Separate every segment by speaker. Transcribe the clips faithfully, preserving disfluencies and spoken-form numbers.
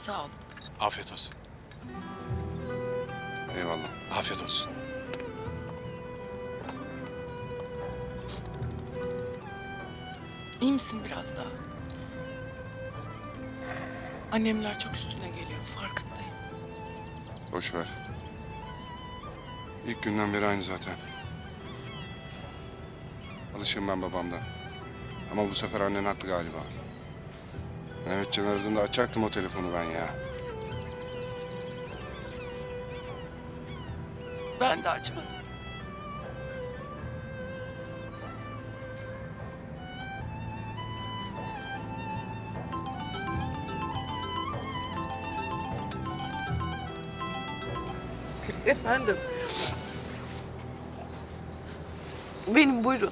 Speaker 1: Sağ olun.
Speaker 2: Afiyet olsun.
Speaker 3: Eyvallah.
Speaker 2: Afiyet olsun.
Speaker 1: İyi misin biraz daha? Annemler çok üstüne geliyor, farkındayım.
Speaker 3: Boş ver. İlk günden beri aynı zaten. Alışığım ben babamdan. Ama bu sefer annen haklı galiba. Mehmetcan aradığında açacaktım o telefonu ben ya.
Speaker 1: Ben de açmadım. Efendim. Benim, buyurun.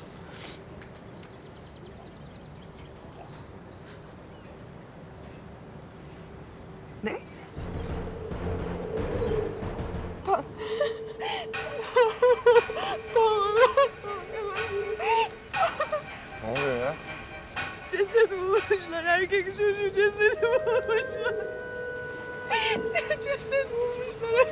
Speaker 1: Ne? Bak.
Speaker 3: Ne oluyor ya?
Speaker 1: Ceset bulmuşlar. Erkek çocuğu cesedi bulmuşlar. Ceset bulmuşlar.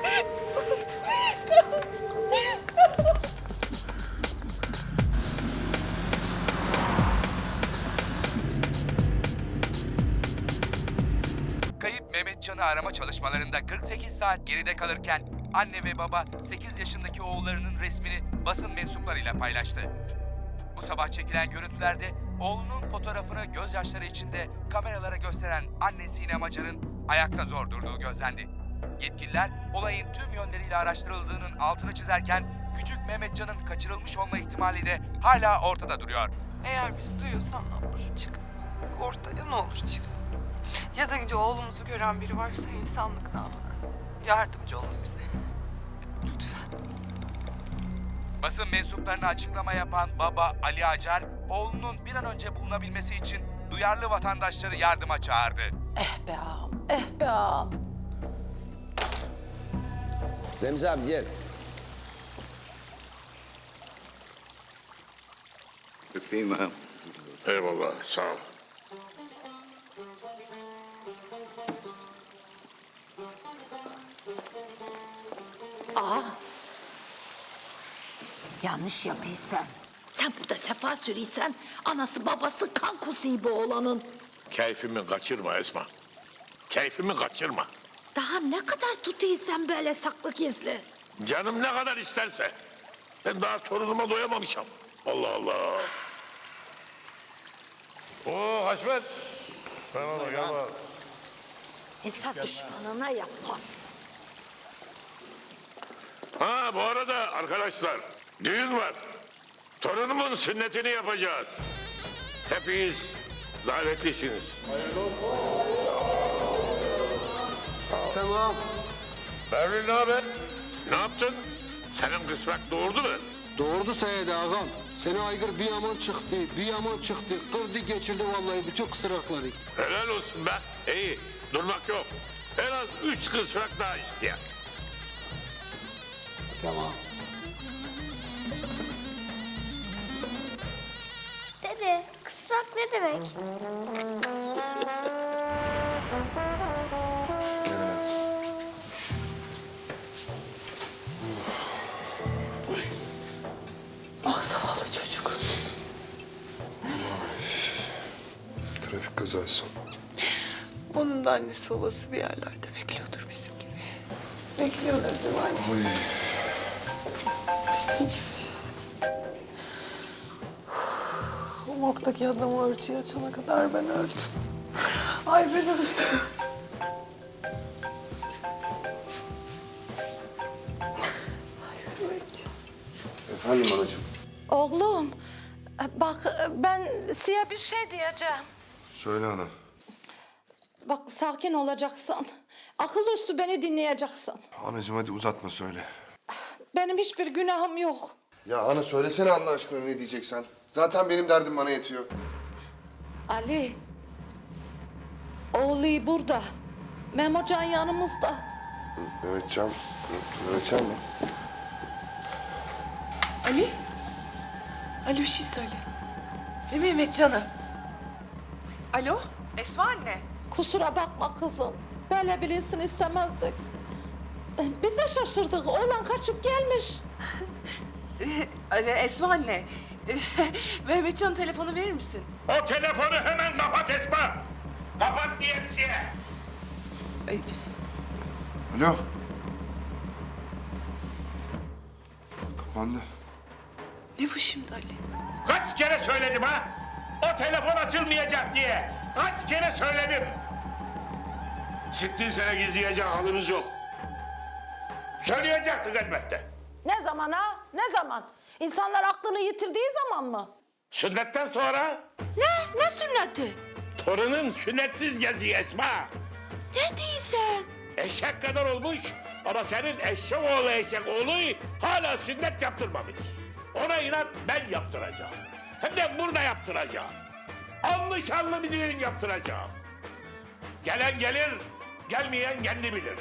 Speaker 4: Kayıp Mehmetcan'ı arama çalışmalarında kırk sekiz saat geride kalırken anne ve baba sekiz yaşındaki oğullarının resmini basın mensuplarıyla paylaştı. Bu sabah çekilen görüntülerde oğlunun fotoğrafını gözyaşları içinde kameralara gösteren anne Sinem Acar'ın ayakta zor durduğu gözlendi. Yetkililer olayın tüm yönleriyle araştırıldığının altını çizerken küçük Mehmetcan'ın kaçırılmış olma ihtimali de hala ortada duruyor.
Speaker 1: Eğer bizi duyuyorsan ne olur çık. Ortaya ne olur çık. Ya da önce oğlumuzu gören biri varsa insanlık namına yardımcı olun bize. Lütfen.
Speaker 4: Basın mensuplarına açıklama yapan baba Ali Acar, oğlunun bir an önce bulunabilmesi için duyarlı vatandaşları yardıma çağırdı.
Speaker 5: Eh be ağam, eh be ağam.
Speaker 6: Remzi abi gel.
Speaker 7: Öpeyim ha.
Speaker 2: Eyvallah, sağ ol.
Speaker 5: Yanlış yapıysan. Sen burada sefa sürüysen, anası babası kan kusuyu bu oğlanın.
Speaker 2: Keyfimi kaçırma Esma. Keyfimi kaçırma.
Speaker 5: Daha ne kadar tutuysan böyle saklı gizli.
Speaker 2: Canım ne kadar isterse. Ben daha torunuma doyamamışım. Allah Allah. Oo Haşmet. Ben ona gel bak.
Speaker 5: Hesap düşmanına yapmaz.
Speaker 2: Ha bu arada arkadaşlar düğün var. Torunumun sünnetini yapacağız. Hepiniz davetlisiniz.
Speaker 6: Tamam.
Speaker 2: Berlin ne haber? Ne yaptın? Senin kısrak doğurdu mu?
Speaker 6: Doğurdu sayede ağam. Seni aygır bir yaman çıktı, bir yaman çıktı. Kırdı geçirdi vallahi bütün kısrakları.
Speaker 2: Helal olsun be. İyi durmak yok. En az üç kısrak daha isteyen.
Speaker 6: Tamam.
Speaker 8: Dede, kısrak ne demek?
Speaker 1: Ah zavallı çocuk.
Speaker 3: Trafik kazası.
Speaker 1: Onun da annesi babası bir yerlerde bekliyordur bizim gibi. Bekliyorlar değil mi anne?
Speaker 3: Oy.
Speaker 1: Bizim gibi. O morgdaki adamı örtüye açana kadar ben öldüm. Ay ben öldüm. Ay yürümek.
Speaker 3: Efendim anacığım.
Speaker 5: Oğlum, bak ben size bir şey diyeceğim.
Speaker 3: Söyle ana.
Speaker 5: Bak sakin olacaksın. Akıl üstü beni dinleyeceksin.
Speaker 3: Anacığım hadi uzatma söyle.
Speaker 5: Benim hiçbir günahım yok.
Speaker 3: Ya ana söylesene Allah aşkına ne diyeceksen. Zaten benim derdim bana yetiyor.
Speaker 5: Ali, oğlu burada. Memocan yanımızda.
Speaker 3: Mehmetcan. Hı, Mehmetcan mı?
Speaker 1: Ali? Ali bir şey söyle. Ne Mehmet canım? Alo? Esma anne?
Speaker 5: Kusura bakma kızım.
Speaker 7: Böyle bilinsin istemezdik. Biz de şaşırdık. Oğlan kaçıp gelmiş.
Speaker 1: Ee, Esma anne. Mehmetcan'ın telefonu verir misin?
Speaker 2: O telefonu hemen kapat Esma. Kapat diyemsiye.
Speaker 1: Ay,
Speaker 3: Alo. Kapandı.
Speaker 1: ne bu şimdi Ali?
Speaker 2: Kaç kere söyledim ha? O telefon açılmayacak diye. Kaç kere söyledim. Sittin sene gizleyecek halimiz yok. Söyleyecektik elbette.
Speaker 7: Ne zaman ha? Ne zaman? İnsanlar aklını yitirdiği zaman mı?
Speaker 2: Sünnetten sonra
Speaker 7: Ne? Ne sünneti?
Speaker 2: torunun sünnetsiz geziyor Esma.
Speaker 7: Ne diyorsun?
Speaker 2: Eşek kadar olmuş ama senin eşek oğlu eşek oğlu hala sünnet yaptırmamış. Ona inat ben yaptıracağım. Hem de burada yaptıracağım. Anlı şanlı bir düğün yaptıracağım. Gelen gelir, gelmeyen kendi bilir.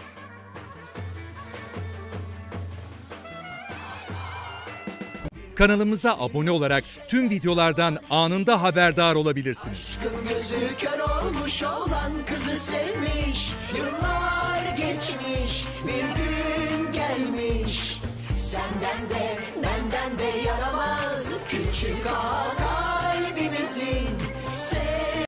Speaker 9: Kanalımıza abone olarak tüm videolardan anında haberdar olabilirsiniz.
Speaker 10: Gözü kör olmuş olan kızı sevmiş. Yıllar geçmiş, bir gün gelmiş. Senden de benden de yaramaz küçük ağa kalbimizin.